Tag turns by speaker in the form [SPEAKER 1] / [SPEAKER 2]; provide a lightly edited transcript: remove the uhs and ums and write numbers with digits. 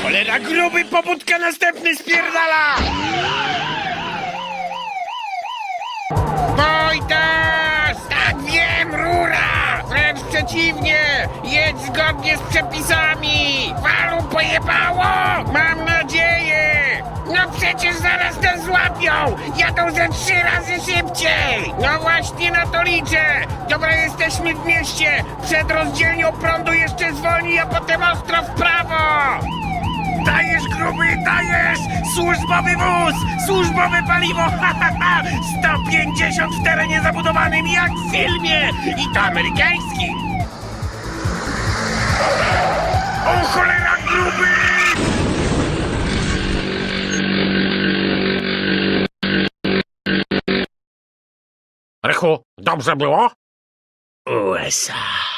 [SPEAKER 1] Cholera, gruby, pobudka, następny spierdala! Wojtas! Tak wiem, rura! Wręcz przeciwnie! Jedź zgodnie z przepisami! Walu pojebało! Mam nadzieję! No przecież zaraz nas złapią! Jadą ze 3 razy szybciej! No właśnie na to liczę! Dobra, jesteśmy w mieście! Przed rozdzielnią prądu jeszcze zwolnij, a potem ostro w prawo! Dajesz, gruby, dajesz! Służbowy wóz! Służbowe paliwo! Ha, ha, ha! 150 w terenie zabudowanym jak w filmie! I to amerykańskim! O cholera, gruby! Rychu, dobrze było? USA.